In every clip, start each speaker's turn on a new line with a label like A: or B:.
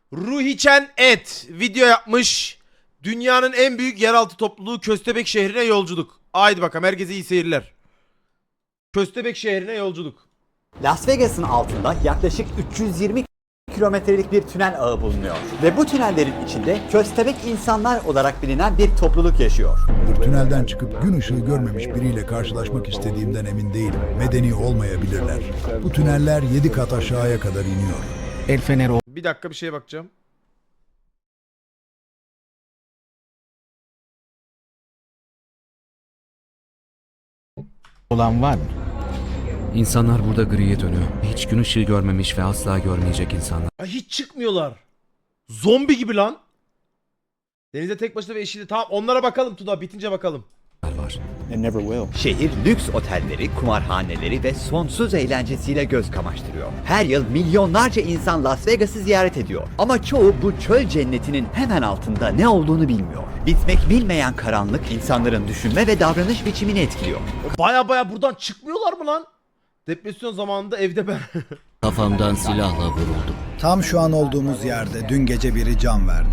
A: Ruhiçen Et video yapmış. Dünyanın en büyük yeraltı topluluğu Köstebek şehrine yolculuk. Haydi bakalım, herkese iyi seyirler. Köstebek şehrine yolculuk.
B: Las Vegas'ın altında yaklaşık 320 kilometrelik bir tünel ağı bulunuyor. Ve bu tünellerin içinde köstebek insanlar olarak bilinen bir topluluk yaşıyor.
C: Tünelden çıkıp gün ışığı görmemiş biriyle karşılaşmak istediğimden emin değilim. Medeni olmayabilirler. Bu tüneller 7 kat aşağıya kadar iniyor.
D: El feneri
A: Bir dakika, bir şeye bakacağım.
D: olan var mı?
E: İnsanlar burada griye dönüyor. Hiç gün ışığı görmemiş ve asla görmeyecek insanlar
A: Ay, hiç çıkmıyorlar. Zombi gibi lan. Denize tek başına ve eşiyle. Tamam, onlara bakalım Tuna, bitince bakalım.
E: var.
B: Şehir lüks otelleri, kumarhaneleri ve sonsuz eğlencesiyle göz kamaştırıyor. Her yıl milyonlarca insan Las Vegas'ı ziyaret ediyor. Ama çoğu bu çöl cennetinin hemen altında ne olduğunu bilmiyor. Bitmek bilmeyen karanlık insanların düşünme ve davranış biçimini etkiliyor.
A: Baya buradan çıkmıyorlar mı lan? Depresyon zamanında evde ben.
E: Kafamdan silahla vuruldum.
F: Tam şu an olduğumuz yerde dün gece biri can verdi.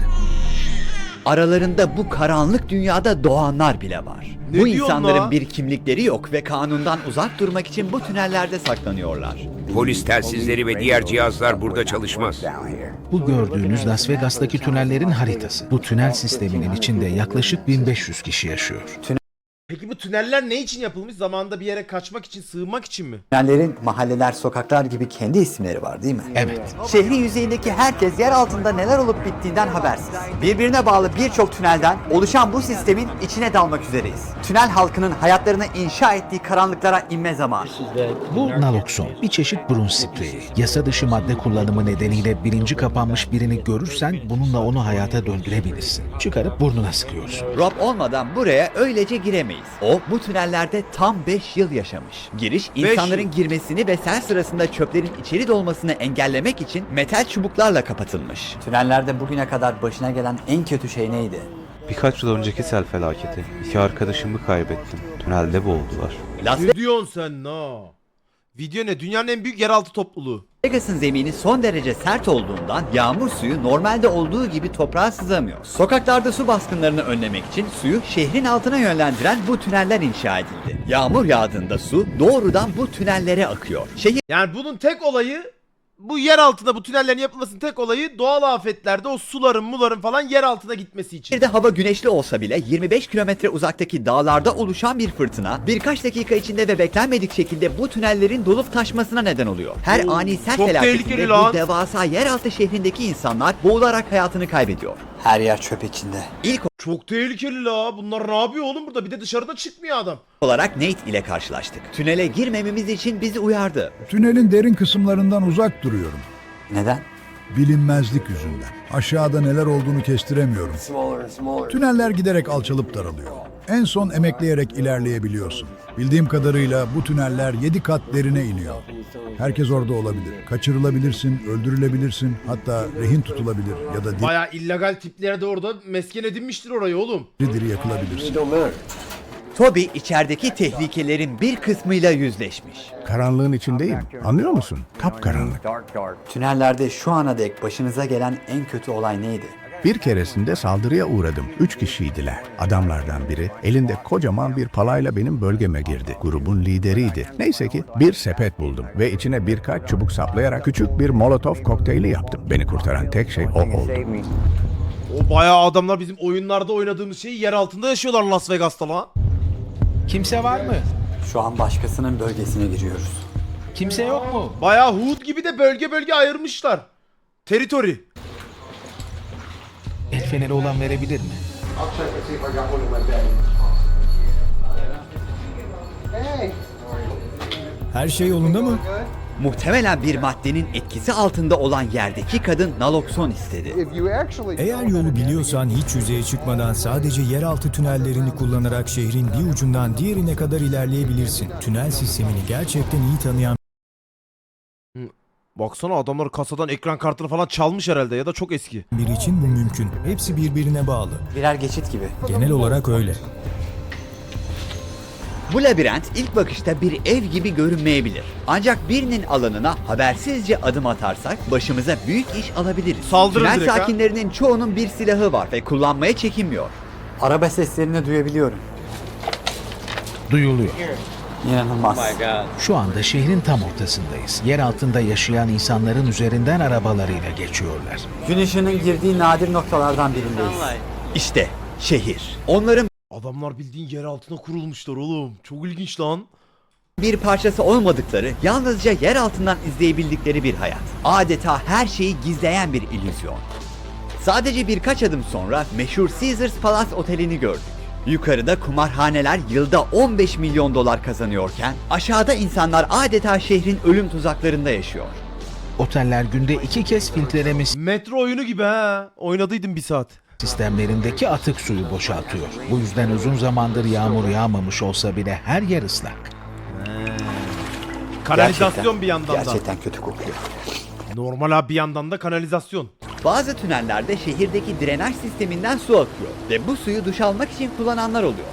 B: Aralarında bu karanlık dünyada doğanlar bile var.
A: Ne
B: Bu
A: diyorsun
B: insanların
A: la?
B: bir kimlikleri yok ve kanundan uzak durmak için bu tünellerde saklanıyorlar.
G: Polis telsizleri ve diğer cihazlar burada çalışmaz.
D: Bu gördüğünüz Las Vegas'taki tünellerin haritası. Bu tünel sisteminin içinde yaklaşık 1500 kişi yaşıyor.
A: Peki bu tüneller ne için yapılmış? Zamanında bir yere kaçmak için, sığınmak için mi?
B: Tünellerin mahalleler, sokaklar gibi kendi isimleri var değil mi?
D: Evet.
B: Şehrin yüzeyindeki herkes yer altında neler olup bittiğinden habersiz. Birbirine bağlı birçok tünelden oluşan bu sistemin içine dalmak üzereyiz. Tünel halkının hayatlarını inşa ettiği karanlıklara inme zamanı.
D: Bu nalokson, bir çeşit burun spreyi. Yasa dışı madde kullanımı nedeniyle bilinci kapanmış birini görürsen bununla onu hayata döndürebilirsin. Çıkarıp burnuna sıkıyorsun.
B: Rob olmadan buraya öylece giremeyiz. O bu tünellerde tam 5 yıl yaşamış. Giriş insanların
A: yıl.
B: girmesini ve sel sırasında çöplerin içeri dolmasını engellemek için metal çubuklarla kapatılmış. Tünellerde bugüne kadar başına gelen en kötü şey neydi?
H: Birkaç yıl önceki sel felaketi. 2 arkadaşımı kaybettim. Tünelde boğuldular.
B: Las
A: Ne diyorsun sen no? Video ne? Dünyanın en büyük yeraltı topluluğu.
B: Vegas'ın zemini son derece sert olduğundan yağmur suyu normalde olduğu gibi toprağa sızamıyor. Sokaklarda su baskınlarını önlemek için suyu şehrin altına yönlendiren bu tüneller inşa edildi. Yağmur yağdığında su doğrudan bu tünellere akıyor.
A: Yani bunun tek olayı, bu yer altında bu tünellerin yapılmasının tek olayı doğal afetlerde o suların falan yer altına gitmesi için.
B: Şehirde hava güneşli olsa bile 25 kilometre uzaktaki dağlarda oluşan bir fırtına birkaç dakika içinde ve beklenmedik şekilde bu tünellerin dolup taşmasına neden oluyor. Her ani sel
A: çok tehlikeli
B: felaketinde
A: lan.
B: bu devasa yeraltı şehrindeki insanlar boğularak hayatını kaybediyor. Her yer çöp içinde. İlk
A: Çok tehlikeli la. Bunlar ne yapıyor oğlum burada? Bir de dışarıda çıkmıyor adam.
B: olarak Nate ile karşılaştık. Tünele girmememiz için bizi uyardı.
C: Tünelin derin kısımlarından uzak duruyorum.
B: Neden?
C: Bilinmezlik yüzünden. Aşağıda neler olduğunu kestiremiyorum. Tüneller giderek alçalıp daralıyor. En son emekleyerek ilerleyebiliyorsun. Bildiğim kadarıyla bu tüneller 7 kat derine iniyor. Herkes orada olabilir. Kaçırılabilirsin, öldürülebilirsin, hatta rehin tutulabilir ya da
A: Baya illegal tipler de orada mesken edinmiştir orayı oğlum.
C: diri diri yakılabilirsin.
B: Toby içerideki tehlikelerin bir kısmıyla yüzleşmiş.
I: Karanlığın içindeyim. Anlıyor musun? Kapkaranlık.
B: Tünellerde şu ana dek başınıza gelen en kötü olay neydi?
I: Bir keresinde saldırıya uğradım. 3 kişiydiler. Adamlardan biri elinde kocaman bir palayla benim bölgeme girdi. Grubun lideriydi. Neyse ki bir sepet buldum ve içine birkaç çubuk saplayarak küçük bir molotof kokteyli yaptım. Beni kurtaran tek şey o oldu.
A: O bayağı adamlar bizim oyunlarda oynadığımız şeyi yer altında yaşıyorlar Las Vegas'ta lan.
D: Kimse var mı?
B: Şu an başkasının bölgesine giriyoruz.
D: Kimse yok mu?
A: Bayağı Hood gibi de bölge ayırmışlar. Territory.
D: El feneri olan verebilir mi?
F: Her şey yolunda mı?
B: Muhtemelen bir maddenin etkisi altında olan yerdeki kadın nalokson istedi.
F: Eğer yolu biliyorsan hiç yüzeye çıkmadan sadece yeraltı tünellerini kullanarak şehrin bir ucundan diğerine kadar ilerleyebilirsin. Tünel sistemini gerçekten iyi tanıyan
A: Baksana, adamlar kasadan ekran kartını falan çalmış herhalde ya da çok eski.
F: biri için bu mümkün. Hepsi birbirine bağlı.
B: Birer geçit gibi.
F: Genel olarak öyle.
B: Bu labirent ilk bakışta bir ev gibi görünmeyebilir. Ancak birinin alanına habersizce adım atarsak başımıza büyük iş alabiliriz.
A: Saldırır
B: Tünel
A: direkt ha.
B: sakinlerinin çoğunun bir silahı var ve kullanmaya çekinmiyor.
J: Araba seslerini duyabiliyorum.
D: Duyuluyor.
J: İnanılmaz.
D: Şu anda şehrin tam ortasındayız. Yer altında yaşayan insanların üzerinden arabalarıyla geçiyorlar.
J: Gün ışığının girdiği nadir noktalardan birindeyiz.
B: İşte şehir. Onların
A: Adamlar bildiğin yer altına kurulmuşlar oğlum. Çok ilginç lan.
B: bir parçası olmadıkları, yalnızca yer altından izleyebildikleri bir hayat. Adeta her şeyi gizleyen bir illüzyon. Sadece birkaç adım sonra meşhur Caesars Palace Oteli'ni gördük. Yukarıda kumarhaneler yılda 15 milyon dolar kazanıyorken aşağıda insanlar adeta şehrin ölüm tuzaklarında yaşıyor.
D: Oteller günde 2 kez filtreleme
A: Metro oyunu gibi ha. Oynadıydım bir saat.
D: sistemlerindeki atık suyu boşaltıyor. Bu yüzden uzun zamandır yağmur yağmamış olsa bile her yer ıslak.
A: Kanalizasyon bir yandan da.
J: Gerçekten kötü kokuyor.
A: Normal abi bir yandan da kanalizasyon.
B: Bazı tünellerde şehirdeki drenaj sisteminden su akıyor ve bu suyu duş almak için kullananlar oluyor.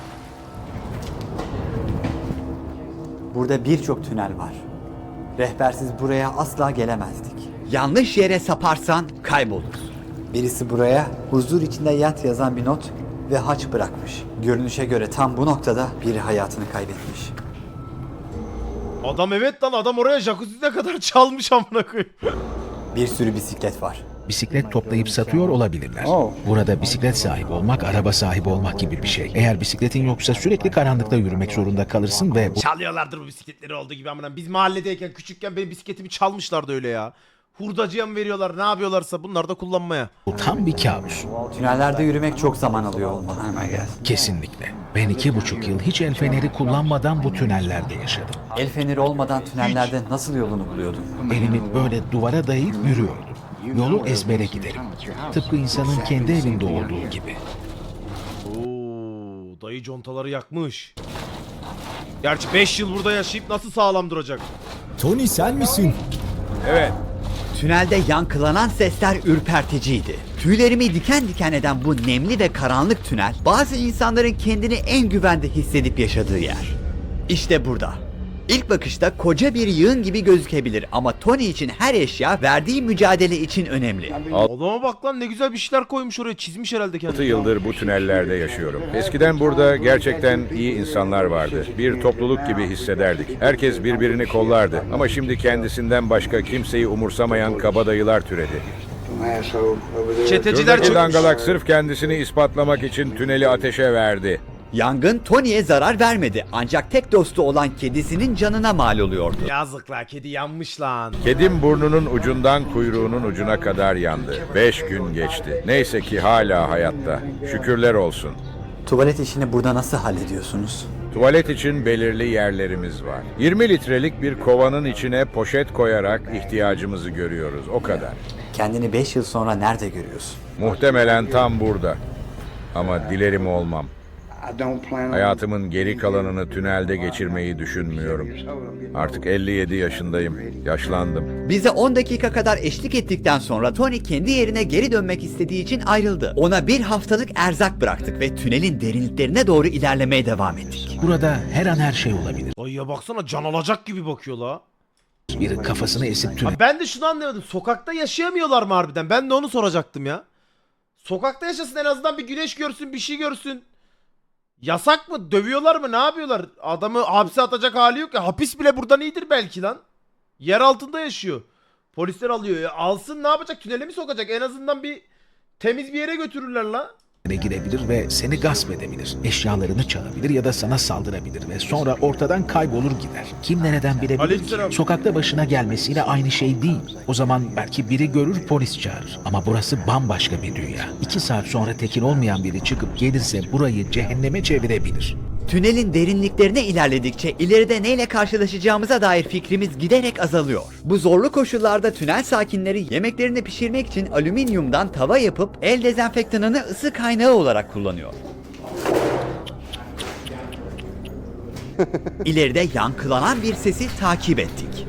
J: Burada birçok tünel var. Rehbersiz buraya asla gelemezdik.
B: Yanlış yere saparsan kaybolursun.
J: Birisi buraya huzur içinde yat yazan bir not ve haç bırakmış. Görünüşe göre tam bu noktada biri hayatını kaybetmiş.
A: Adam evet lan adam oraya jacuzzi'ne kadar çalmış amına koyayım.
J: Bir sürü bisiklet var.
D: Bisiklet toplayıp satıyor olabilirler. Burada bisiklet sahibi olmak, araba sahibi olmak gibi bir şey. Eğer bisikletin yoksa sürekli karanlıkta yürümek zorunda kalırsın ve
A: Çalıyorlardır bu bisikletleri olduğu gibi amına. Biz mahalledeyken küçükken benim bisikletimi çalmışlardı öyle ya. Hurdacıya mı veriyorlar ne yapıyorlarsa bunlar da kullanmaya.
D: bu tam bir kabus.
J: Tünellerde yürümek çok zaman alıyor olmalı.
D: Kesinlikle. Ben 2,5 yıl hiç el feneri kullanmadan bu tünellerde yaşadım.
J: El feneri olmadan tünellerde nasıl yolunu buluyordun?
D: Elimi böyle duvara dayayıp yürüyordum. Yolu ezbere giderim. Tıpkı insanın kendi evinde olduğu gibi.
A: Oo, dayı contaları yakmış. Gerçi 5 yıl burada yaşayıp nasıl sağlam duracak?
F: Tony sen misin?
B: Tünelde yankılanan sesler ürperticiydi. Tüylerimi diken diken eden bu nemli ve karanlık tünel, bazı insanların kendini en güvende hissedip yaşadığı yer. İşte burada. İlk bakışta koca bir yığın gibi gözükebilir ama Tony için her eşya verdiği mücadele için önemli.
A: Adama bak lan ne güzel bir şeyler koymuş oraya çizmiş herhalde kendini.
G: 6 yıldır bu tünellerde yaşıyorum. Eskiden burada gerçekten iyi insanlar vardı. Bir topluluk gibi hissederdik. Herkes birbirini kollardı. Ama şimdi kendisinden başka kimseyi umursamayan kabadayılar türedi.
A: Çeteciler
G: Şuradaki
A: çıkmış.
G: dangalak sırf kendisini ispatlamak için tüneli ateşe verdi.
B: Yangın Tony'ye zarar vermedi ancak tek dostu olan kedisinin canına mal oluyordu.
A: Yazık la kedi yanmış lan.
G: Kedim burnunun ucundan kuyruğunun ucuna kadar yandı. 5 gün geçti. Neyse ki hala hayatta. Şükürler olsun.
J: Tuvalet işini burada nasıl hallediyorsunuz?
G: Tuvalet için belirli yerlerimiz var. 20 litrelik bir kovanın içine poşet koyarak ihtiyacımızı görüyoruz. O kadar.
J: Kendini 5 yıl sonra nerede görüyorsun?
G: Muhtemelen tam burada. Ama dilerim olmam. Hayatımın geri kalanını tünelde geçirmeyi düşünmüyorum. Artık 57 yaşındayım. Yaşlandım.
B: Bize 10 dakika kadar eşlik ettikten sonra Tony kendi yerine geri dönmek istediği için ayrıldı. Ona bir haftalık erzak bıraktık ve tünelin derinliklerine doğru ilerlemeye devam ettik.
D: Burada her an her şey olabilir.
A: Dayıya baksana can alacak gibi bakıyor la.
D: Biri kafasını esip tünel
A: Abi ben de şunu anlamadım. Sokakta yaşayamıyorlar mı harbiden? Ben de onu soracaktım ya. Sokakta yaşasın en azından bir güneş görsün bir şey görsün. Yasak mı? Dövüyorlar mı? Ne yapıyorlar? Adamı hapse atacak hali yok ya. Hapis bile buradan iyidir belki lan. Yer altında yaşıyor. Polisler alıyor ya. Alsın ne yapacak? Tünele mi sokacak? En azından bir temiz bir yere götürürler la.
D: girebilir ve seni gasp edebilir. Eşyalarını çalabilir ya da sana saldırabilir ve sonra ortadan kaybolur gider. Kim nereden bilebilir
A: Aleykümselam.
D: ki? Sokakta başına gelmesiyle aynı şey değil. O zaman belki biri görür, polis çağırır. Ama burası bambaşka bir dünya. 2 saat sonra tekin olmayan biri çıkıp gelirse burayı cehenneme çevirebilir.
B: Tünelin derinliklerine ilerledikçe ileride neyle karşılaşacağımıza dair fikrimiz giderek azalıyor. Bu zorlu koşullarda tünel sakinleri yemeklerini pişirmek için alüminyumdan tava yapıp el dezenfektanını ısı kaynağı olarak kullanıyor. İleride yankılanan bir sesi takip ettik.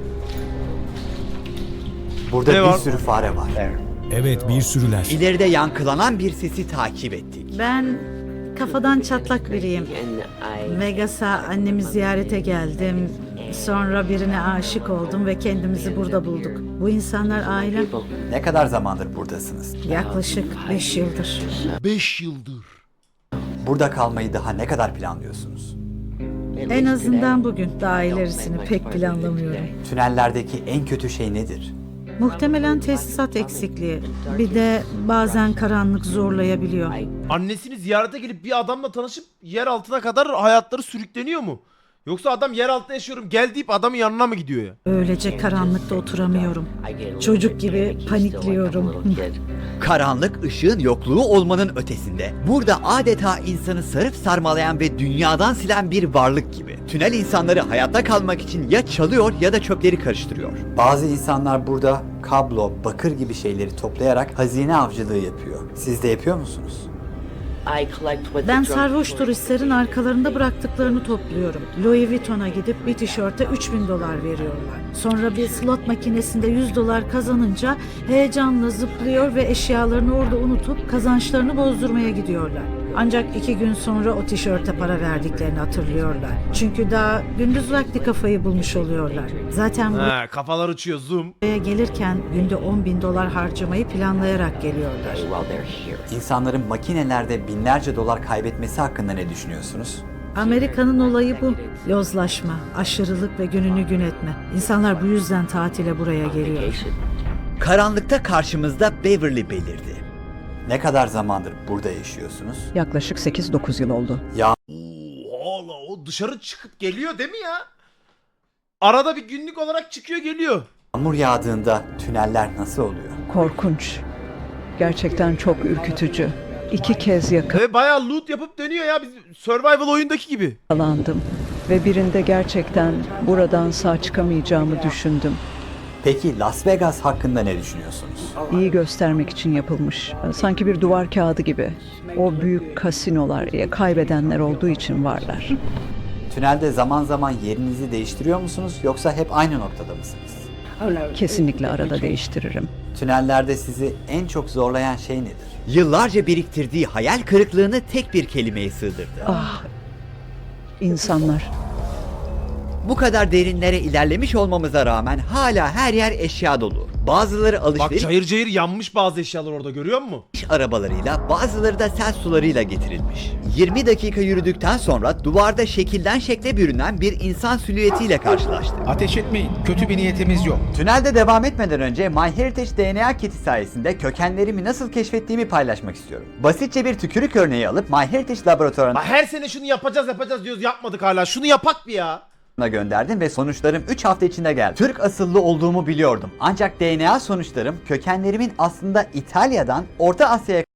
J: Burada
A: Ne
J: bir
A: var?
J: sürü fare var.
F: Evet, bir sürüler.
B: İleride yankılanan bir sesi takip ettik.
K: Ben kafadan çatlak biriyim. Vegas'a annemi ziyarete geldim. Sonra birine aşık oldum ve kendimizi burada bulduk. Bu insanlar ailem.
J: Ne kadar zamandır buradasınız?
K: Yaklaşık 5 yıldır.
A: 5 yıldır.
J: Burada kalmayı daha ne kadar planlıyorsunuz?
K: En azından bugün. Daha ilerisini pek planlamıyorum.
J: Tünellerdeki en kötü şey nedir?
K: Muhtemelen tesisat eksikliği. Bir de bazen karanlık zorlayabiliyor.
A: Annesini ziyarete gelip bir adamla tanışıp yer altına kadar hayatları sürükleniyor mu? Yoksa adam yer altında yaşıyorum gel deyip adamın yanına mı gidiyor ya?
K: Öylece karanlıkta oturamıyorum. Çocuk gibi panikliyorum.
B: Karanlık ışığın yokluğu olmanın ötesinde burada adeta insanı sarıp sarmalayan ve dünyadan silen bir varlık gibi. Tünel insanları hayatta kalmak için ya çalıyor ya da çöpleri karıştırıyor.
J: Bazı insanlar burada kablo, bakır gibi şeyleri toplayarak hazine avcılığı yapıyor. Siz de yapıyor musunuz?
K: Ben sarhoş turistlerin arkalarında bıraktıklarını topluyorum. Louis Vuitton'a gidip bir tişörte $3.000 veriyorlar. Sonra bir slot makinesinde $100 kazanınca heyecanla zıplıyor ve eşyalarını orada unutup kazançlarını bozdurmaya gidiyorlar. Ancak 2 gün sonra o tişörte para verdiklerini hatırlıyorlar. Çünkü daha gündüz vakti kafayı bulmuş oluyorlar. Zaten
A: He, kafalar uçuyor zoom.
K: buraya gelirken günde $10.000 harcamayı planlayarak geliyorlar.
J: İnsanların makinelerde binlerce dolar kaybetmesi hakkında ne düşünüyorsunuz?
K: Amerika'nın olayı bu. Yozlaşma, aşırılık ve gününü gün etme. İnsanlar bu yüzden tatile buraya geliyor.
B: Karanlıkta karşımızda Beverly belirdi.
J: Ne kadar zamandır burada yaşıyorsunuz?
L: Yaklaşık 8-9 yıl oldu.
A: Oha la, o dışarı çıkıp geliyor değil mi ya? Arada bir günlük olarak çıkıyor geliyor.
J: Yağmur yağdığında tüneller nasıl oluyor?
L: Korkunç. Gerçekten çok ürkütücü. 2 kez
A: Ve bayağı loot yapıp dönüyor ya, biz survival oyundaki gibi.
L: yakalandım. Ve birinde gerçekten buradan sağ çıkamayacağımı düşündüm.
J: Peki Las Vegas hakkında ne düşünüyorsunuz?
L: İyi göstermek için yapılmış. Sanki bir duvar kağıdı gibi. O büyük kasinolar kaybedenler olduğu için varlar.
J: Tünelde zaman zaman yerinizi değiştiriyor musunuz yoksa hep aynı noktada mısınız?
L: Kesinlikle arada değiştiririm.
J: Tünellerde sizi en çok zorlayan şey nedir?
B: Yıllarca biriktirdiği hayal kırıklığını tek bir kelimeye sığdırdı.
L: İnsanlar.
B: Bu kadar derinlere ilerlemiş olmamıza rağmen hala her yer eşya dolu. Bazıları
A: Bak
B: alışveriş
A: cayır cayır yanmış bazı eşyalar orada, görüyor musun?
B: arabalarıyla, bazıları da sel sularıyla getirilmiş. 20 dakika yürüdükten sonra duvarda şekilden şekle bürünen bir insan silüetiyle karşılaştık.
D: Ateş etmeyin. Kötü bir niyetimiz yok.
J: Tünelde devam etmeden önce MyHeritage DNA kiti sayesinde kökenlerimi nasıl keşfettiğimi paylaşmak istiyorum. Basitçe bir tükürük örneği alıp MyHeritage laboratuvarına
A: Bak her sene şunu yapacağız diyoruz, yapmadık hala. Şunu yapak bir ya.
J: gönderdim ve sonuçlarım 3 hafta içinde geldi. Türk asıllı olduğumu biliyordum. Ancak DNA sonuçlarım kökenlerimin aslında İtalya'dan Orta Asya'ya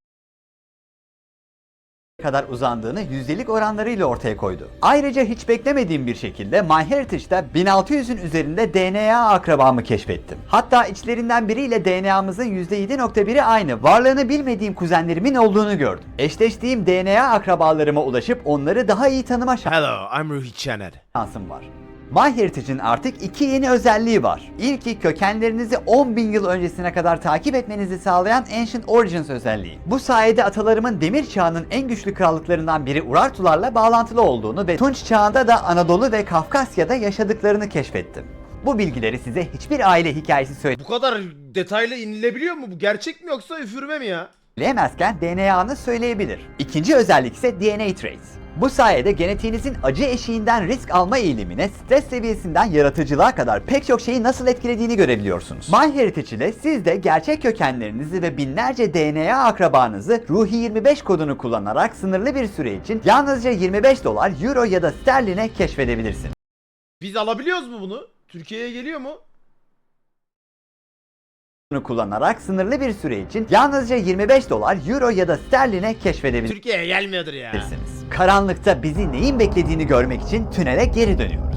J: kadar uzandığını yüzdelik oranlarıyla ortaya koydu. Ayrıca hiç beklemediğim bir şekilde MyHeritage'da 1600'ün üzerinde DNA akrabamı keşfettim. Hatta içlerinden biriyle DNA'mızın %7.1'i aynı. Varlığını bilmediğim kuzenlerimin olduğunu gördüm. Eşleştiğim DNA akrabalarıma ulaşıp onları daha iyi tanıma
A: Hello, I'm Ruhi Çener.
J: şansım var. MyHeritage'in artık 2 yeni özelliği var. İlki kökenlerinizi 10.000 yıl öncesine kadar takip etmenizi sağlayan Ancient Origins özelliği. Bu sayede atalarımın demir çağının en güçlü krallıklarından biri Urartularla bağlantılı olduğunu ve Tunç çağında da Anadolu ve Kafkasya'da yaşadıklarını keşfettim. Bu bilgileri size hiçbir aile hikayesi
A: Bu kadar detaylı inilebiliyor mu? Bu gerçek mi yoksa üfürme mi ya?
J: söyleyemezken DNA'nı söyleyebilir. İkinci özellik ise DNA Trace. Bu sayede genetiğinizin acı eşiğinden risk alma eğilimine, stres seviyesinden yaratıcılığa kadar pek çok şeyi nasıl etkilediğini görebiliyorsunuz. MyHeritage ile siz de gerçek kökenlerinizi ve binlerce DNA akrabanızı Ruhi 25 kodunu kullanarak sınırlı bir süre için yalnızca $25, euro ya da sterline keşfedebilirsiniz.
A: Biz alabiliyoruz mu bunu? Türkiye'ye geliyor mu?
J: Kullanarak sınırlı bir süre için yalnızca $25, euro ya da sterline keşfedebilirsiniz.
A: Türkiye'ye gelmiyordur ya.
J: Karanlıkta bizi neyin beklediğini görmek için tünele geri dönüyoruz.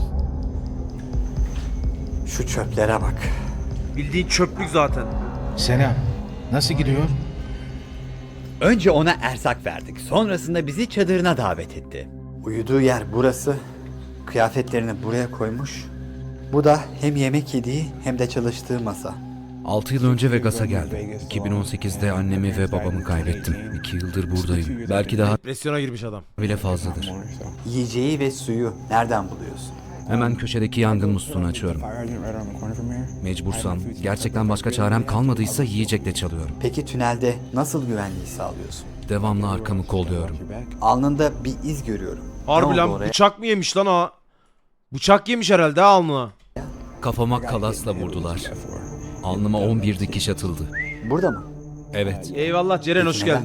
J: Şu çöplere bak.
A: Bildiğin çöplük zaten.
D: Selam. Nasıl gidiyor?
B: Önce ona erzak verdik. Sonrasında bizi çadırına davet etti.
J: Uyuduğu yer burası. Kıyafetlerini buraya koymuş. Bu da hem yemek yediği hem de çalıştığı masa.
E: 6 yıl önce Vegas'a geldim. 2018'de annemi ve babamı kaybettim. 2 yıldır buradayım. Belki daha
A: Depresyona girmiş adam.
E: bile fazladır.
J: Yiyeceği ve suyu nereden buluyorsun?
E: Hemen köşedeki yangın musluğunu açıyorum. Mecbursam, gerçekten başka çarem kalmadıysa yiyecekle çalıyorum.
J: Peki tünelde nasıl güvenliği sağlıyorsun?
E: Devamlı arkamı kolluyorum.
J: Alnında bir iz görüyorum.
A: Harbi
J: Ne
A: lan
J: oldu oraya?
A: bıçak mı yemiş lan o? Bıçak yemiş herhalde ha alnına.
E: Kafama kalasla vurdular. Alnıma 11 dikiş atıldı.
J: Burada mı?
E: Evet,
A: Eyvallah Ceren hoş
J: Neden?
A: geldin.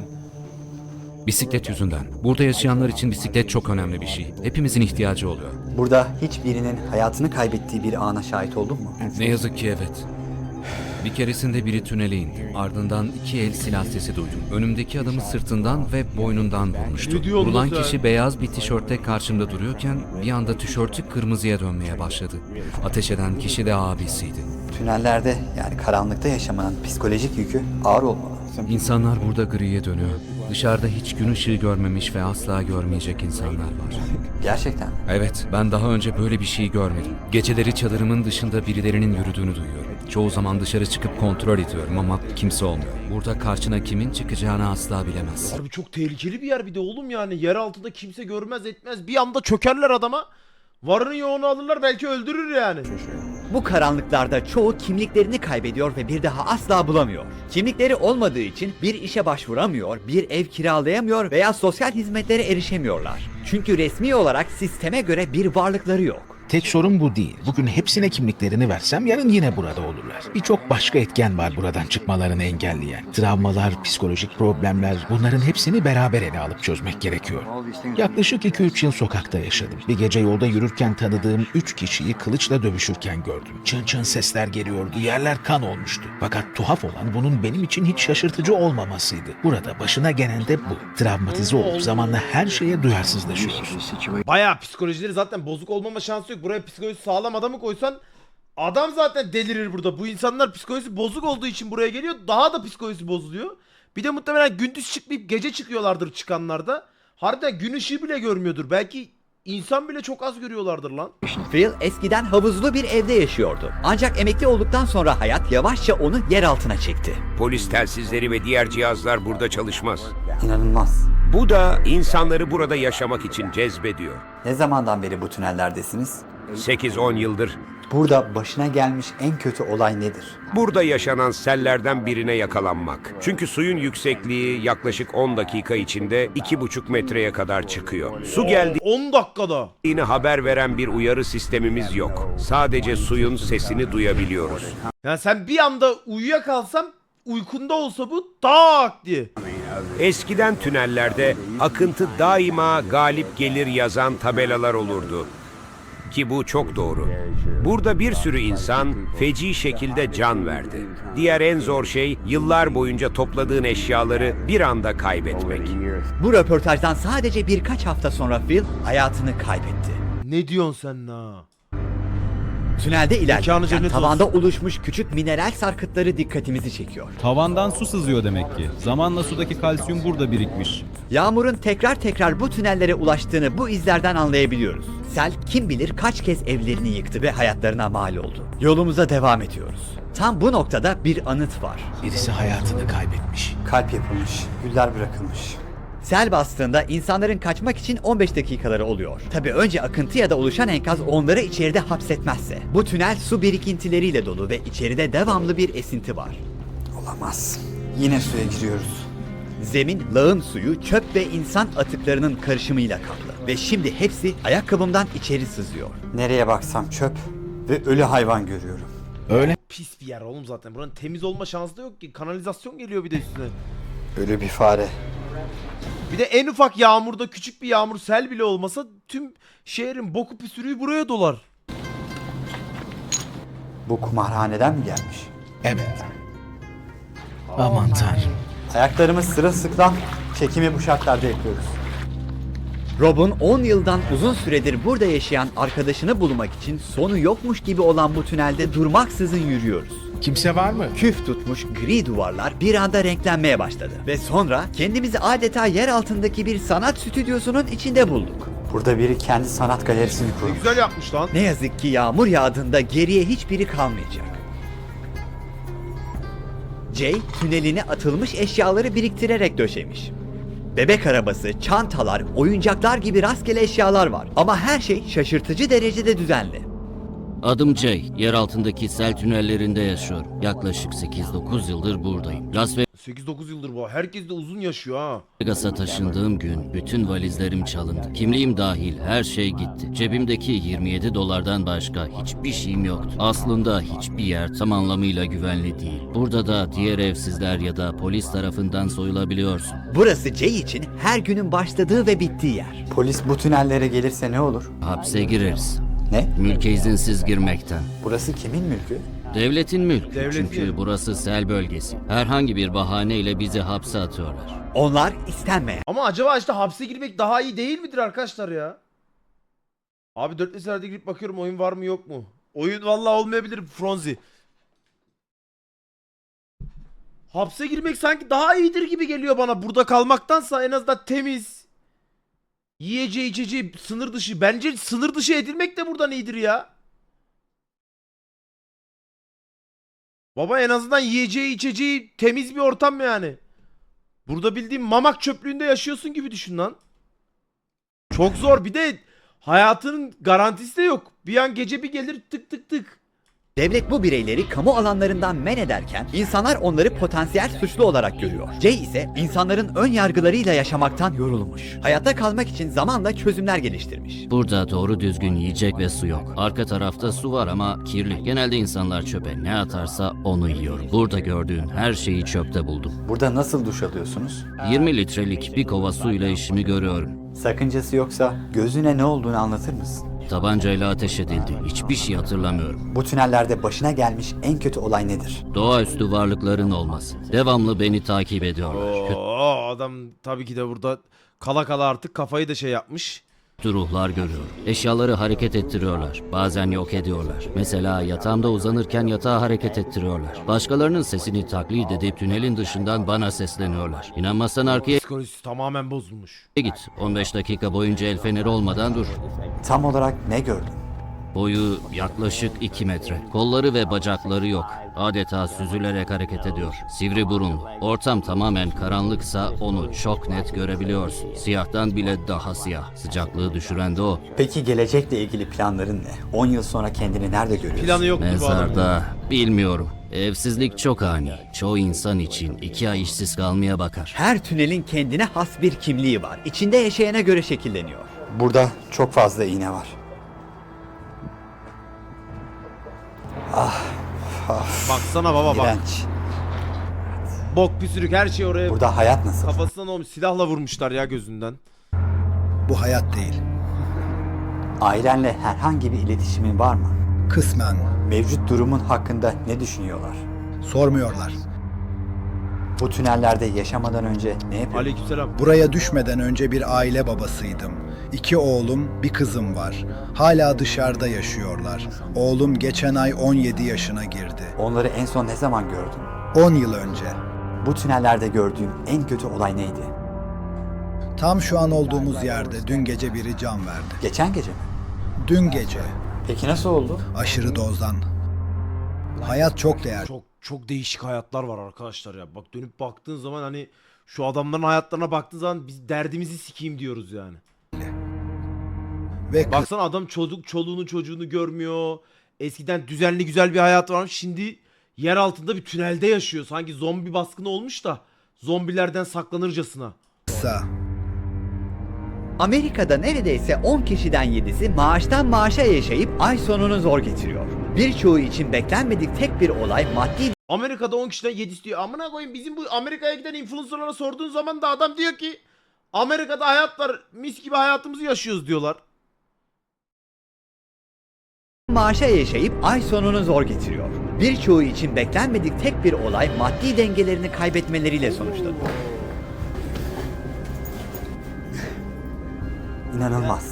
E: bisiklet yüzünden. Burada yaşayanlar için bisiklet çok önemli bir şey. Hepimizin ihtiyacı oluyor.
J: Burada hiçbirinin hayatını kaybettiği bir ana şahit oldun mu?
E: Ne yazık ki evet. Bir keresinde biri tünele indi. Ardından 2 el silah sesi duydum. Önümdeki adamı sırtından ve boynundan vurmuştu.
A: Ne diyorsun
E: Vurulan
A: sen?
E: kişi beyaz bir tişörtte karşımda duruyorken bir anda tişörtü kırmızıya dönmeye başladı. Ateş eden kişi de abisiydi.
J: Tünellerde yani karanlıkta yaşamanın psikolojik yükü ağır olmalı.
E: İnsanlar burada griye dönüyor. Dışarıda hiç gün ışığı görmemiş ve asla görmeyecek insanlar var.
J: Gerçekten.
E: Evet, ben daha önce böyle bir şey görmedim. Geceleri çadırımın dışında birilerinin yürüdüğünü duyuyorum. Çoğu zaman dışarı çıkıp kontrol ediyorum ama kimse olmuyor. Burada karşına kimin çıkacağını asla bilemez.
A: Harbi çok tehlikeli bir yer bir de oğlum yani. Yer altında kimse görmez etmez. Bir anda çökerler adama. Varını yoğunu alırlar belki öldürür yani.
B: Bu karanlıklarda çoğu kimliklerini kaybediyor ve bir daha asla bulamıyor. Kimlikleri olmadığı için bir işe başvuramıyor, bir ev kiralayamıyor veya sosyal hizmetlere erişemiyorlar. Çünkü resmi olarak sisteme göre bir varlıkları yok.
D: Tek sorun bu değil. Bugün hepsine kimliklerini versem yarın yine burada olurlar. Birçok başka etken var buradan çıkmalarını engelleyen. Travmalar, psikolojik problemler, bunların hepsini beraber ele alıp çözmek gerekiyor. Yaklaşık 2-3 yıl sokakta yaşadım. Bir gece yolda yürürken tanıdığım 3 kişiyi kılıçla dövüşürken gördüm. Çın çın sesler geliyordu, yerler kan olmuştu. Fakat tuhaf olan bunun benim için hiç şaşırtıcı olmamasıydı. Burada başına gelen de bu. Travmatize olup zamanla her şeye duyarsızlaşıyoruz.
A: Bayağı psikolojileri zaten bozuk olmama şansı yok. Buraya psikolojisi sağlam adamı koysan adam zaten delirir burada. Bu insanlar psikolojisi bozuk olduğu için buraya geliyor. Daha da psikolojisi bozuluyor. Bir de muhtemelen gündüz çıkmayıp gece çıkıyorlardır çıkanlarda. Harbiden gün ışığı bile görmüyordur. Belki insan bile çok az görüyorlardır lan.
B: Phil eskiden havuzlu bir evde yaşıyordu. Ancak emekli olduktan sonra hayat yavaşça onu yer altına çekti.
M: Polis telsizleri ve diğer cihazlar burada çalışmaz.
J: İnanılmaz.
M: Bu da insanları burada yaşamak için cezbediyor.
J: Ne zamandan beri bu tünellerdesiniz?
M: 8-10 yıldır.
J: Burada başına gelmiş en kötü olay nedir?
M: Burada yaşanan sellerden birine yakalanmak. Çünkü suyun yüksekliği yaklaşık 10 dakika içinde 2,5 metreye kadar çıkıyor. Su
A: 10 dakikada.
M: geldiğini haber veren bir uyarı sistemimiz yok. Sadece suyun sesini duyabiliyoruz.
A: Yani sen bir anda uyuyakalsan uykunda olsa bu tak diye.
M: Eskiden tünellerde akıntı daima galip gelir yazan tabelalar olurdu. Ki bu çok doğru. Burada bir sürü insan feci şekilde can verdi. Diğer en zor şey yıllar boyunca topladığın eşyaları bir anda kaybetmek.
B: Bu röportajdan sadece birkaç hafta sonra Phil hayatını kaybetti.
A: Ne diyorsun sen la?
B: Tünelde
A: Mekanı
B: ilerlerken
A: cennet
B: tavanda oluşmuş küçük mineral sarkıtları dikkatimizi çekiyor.
N: Tavandan su sızıyor demek ki. Zamanla sudaki kalsiyum burada birikmiş.
B: Yağmurun tekrar bu tünellere ulaştığını bu izlerden anlayabiliyoruz. Sel kim bilir kaç kez evlerini yıktı ve hayatlarına mal oldu. Yolumuza devam ediyoruz. Tam bu noktada bir anıt var.
D: Birisi hayatını kaybetmiş.
J: Kalp yapılmış, güller bırakılmış.
B: Sel bastığında insanların kaçmak için 15 dakikaları oluyor. Tabii önce akıntı ya da oluşan enkaz onları içeride hapsetmezse. Bu tünel su birikintileriyle dolu ve içeride devamlı bir esinti var.
J: Olamaz. Yine suya giriyoruz.
B: Zemin, lağım suyu, çöp ve insan atıklarının karışımıyla kaplı. Ve şimdi hepsi ayakkabımdan içeri sızıyor.
J: Nereye baksam çöp ve ölü hayvan görüyorum.
D: Öyle
A: Pis bir yer oğlum zaten. Buranın temiz olma şansı da yok ki. Kanalizasyon geliyor bir de üstüne.
J: Ölü bir fare.
A: Bir de en ufak yağmurda küçük bir yağmur sel bile olmasa tüm şehrin boku püsürüğü buraya dolar.
J: Bu kumarhaneden mi gelmiş?
D: evet. Aman tanrım.
J: Ayaklarımız sırılsıklam, çekimi bu şartlarda yapıyoruz.
B: Rob'un 10 yıldan uzun süredir burada yaşayan arkadaşını bulmak için sonu yokmuş gibi olan bu tünelde durmaksızın yürüyoruz.
D: Kimse var mı?
B: Küf tutmuş gri duvarlar bir anda renklenmeye başladı. Ve sonra kendimizi adeta yer altındaki bir sanat stüdyosunun içinde bulduk.
J: Burada biri kendi sanat galerisini
A: Ne
J: kurmuş.
A: güzel yapmış lan.
B: Ne yazık ki yağmur yağdığında geriye hiçbiri kalmayacak. Jay tüneline atılmış eşyaları biriktirerek döşemiş. Bebek arabası, çantalar, oyuncaklar gibi rastgele eşyalar var. Ama her şey şaşırtıcı derecede düzenli.
O: Adım Jay. Yer altındaki sel tünellerinde yaşıyorum. Yaklaşık 8-9 yıldır buradayım. Las
A: 8-9 yıldır bu. Herkes de uzun yaşıyor ha.
O: Vegas'a taşındığım gün bütün valizlerim çalındı. Kimliğim dahil her şey gitti. Cebimdeki 27 dolardan başka hiçbir şeyim yoktu. Aslında hiçbir yer tam anlamıyla güvenli değil. Burada da diğer evsizler ya da polis tarafından soyulabiliyorsun.
B: Burası Jay için her günün başladığı ve bittiği yer.
J: Polis bu tünellere gelirse ne olur?
O: Hapse gireriz.
J: Ne?
O: Mülke izinsiz girmekten.
J: Burası kimin mülkü?
O: Devletin mülkü.
A: Devletin.
O: Çünkü burası sel bölgesi. Herhangi bir bahaneyle bizi hapse atıyorlar.
B: Onlar istenmeyen.
A: Ama acaba işte hapse girmek daha iyi değil midir arkadaşlar ya? Abi 4 seferde girip bakıyorum oyun var mı yok mu? Oyun vallahi olmayabilir Fronzi. Hapse girmek sanki daha iyidir gibi geliyor bana. Burada kalmaktansa en azından temiz. Yiyeceği içeceği sınır dışı. Bence sınır dışı edilmek de buradan iyidir ya. Baba en azından yiyeceği içeceği temiz bir ortam yani. Burada bildiğin mamak çöplüğünde yaşıyorsun gibi düşün lan. Çok zor, bir de hayatının garantisi de yok. Bir an gece bir gelir tık tık tık.
B: Devlet bu bireyleri kamu alanlarından men ederken insanlar onları potansiyel suçlu olarak görüyor. Jay ise insanların ön yargılarıyla yaşamaktan yorulmuş. Hayatta kalmak için zamanla çözümler geliştirmiş.
O: Burada doğru düzgün yiyecek ve su yok. Arka tarafta su var ama kirli. Genelde insanlar çöpe ne atarsa onu yiyor. Burada gördüğün her şeyi çöpte buldum.
J: Burada nasıl duş alıyorsunuz?
O: 20 litrelik bir kova suyla işimi görüyorum.
J: Sakıncası yoksa gözüne ne olduğunu anlatır mısın?
O: Tabancayla ateş edildi. Hiçbir şey hatırlamıyorum.
J: Bu tünellerde başına gelmiş en kötü olay nedir?
O: Doğaüstü varlıkların olması. Devamlı beni takip ediyorlar.
A: Oo, adam tabii ki de burada kala kala artık kafayı da şey yapmış.
O: Kötü ruhlar görüyorum. Eşyaları hareket ettiriyorlar. Bazen yok ediyorlar. Mesela yatağımda uzanırken yatağı hareket ettiriyorlar. Başkalarının sesini taklit edip tünelin dışından bana sesleniyorlar. İnanmazsan arkaya
A: Psikolojisi tamamen bozulmuş.
O: git. 15 dakika boyunca el feneri olmadan dur.
J: Tam olarak ne gördün?
O: Boyu yaklaşık 2 metre. Kolları ve bacakları yok. Adeta süzülerek hareket ediyor. Sivri burunlu. Ortam tamamen karanlıksa onu çok net görebiliyorsun. Siyahtan bile daha siyah. Sıcaklığı düşüren de o.
J: Peki gelecekle ilgili planların ne? 10 yıl sonra kendini nerede görüyorsun?
A: Planı yoktu bu adamın.
O: Mezarda bilmiyorum. Evsizlik çok ani. Çoğu insan için 2 ay işsiz kalmaya bakar.
B: Her tünelin kendine has bir kimliği var. İçinde yaşayana göre şekilleniyor.
J: Burada çok fazla iğne var.
A: Baksana baba bak.
J: İğrenç.
A: Bok püsürük her şey oraya.
J: Burada hayat nasıl?
A: Kafasına ne olmuş? Silahla vurmuşlar ya gözünden.
C: Bu hayat değil.
J: Ailenle herhangi bir iletişimin var mı?
C: Kısmen.
J: Mevcut durumun hakkında ne düşünüyorlar?
C: Sormuyorlar.
J: Bu tünellerde yaşamadan önce ne yapıyordun?
A: Aleykümselam.
C: Buraya düşmeden önce bir aile babasıydım. 2 oğlum, bir kızım var. Hala dışarıda yaşıyorlar. Oğlum geçen ay 17 yaşına girdi.
J: Onları en son ne zaman gördün?
C: 10 yıl önce.
J: Bu tünellerde gördüğün en kötü olay neydi?
C: Tam şu an olduğumuz yerde dün gece biri can verdi.
J: Geçen gece mi?
C: Dün gece.
J: Peki nasıl oldu?
C: Aşırı dozdan. Hayat çok değerli.
A: Çok değişik hayatlar var arkadaşlar ya. Bak dönüp baktığın zaman hani şu adamların hayatlarına baktığın zaman biz derdimizi sikeyim diyoruz yani.
C: Ve
A: Baksana adam çoluğunu çocuğunu görmüyor. Eskiden düzenli güzel bir hayat varmış. Şimdi yer altında bir tünelde yaşıyor. Sanki zombi baskını olmuş da zombilerden saklanırcasına.
C: kısa.
B: Amerika'da neredeyse 10 kişiden 7'si maaştan maaşa yaşayıp ay sonunu zor getiriyor. Birçoğu için beklenmedik tek bir olay maddi
A: Amerika'da 10 kişiden 7'si diyor. Amına koyayım, bizim bu Amerika'ya giden influencerlara sorduğun zaman da adam diyor ki Amerika'da hayat var, mis gibi hayatımızı yaşıyoruz diyorlar.
B: maaşa yaşayıp ay sonunu zor getiriyor. Birçoğu için beklenmedik tek bir olay maddi dengelerini kaybetmeleriyle sonuçlanıyor.
J: İnanılmaz.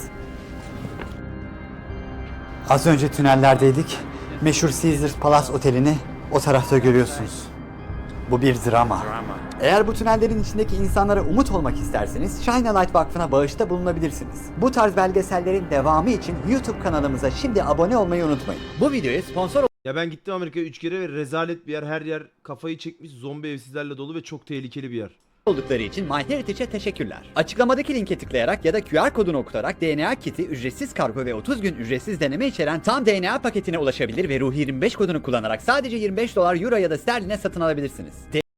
J: Az önce tünellerdeydik. Meşhur Caesars Palace Oteli'ni o tarafta görüyorsunuz. Bu bir drama. Eğer bu tünellerin içindeki insanlara umut olmak isterseniz Shine a Light Vakfı'na bağışta bulunabilirsiniz. Bu tarz belgesellerin devamı için YouTube kanalımıza şimdi abone olmayı unutmayın.
B: Bu videoya sponsor
A: Ya ben gittim Amerika'ya 3 kere ve rezalet bir yer. Her yer kafayı çekmiş, zombi evsizlerle dolu ve çok tehlikeli bir yer.
B: oldukları için MyHeritage'e teşekkürler. Açıklamadaki linke tıklayarak ya da QR kodunu okutarak DNA kiti, ücretsiz kargo ve 30 gün ücretsiz deneme içeren tam DNA paketine ulaşabilir ve Ruhi 25 kodunu kullanarak sadece $25 euro ya da sterline satın alabilirsiniz.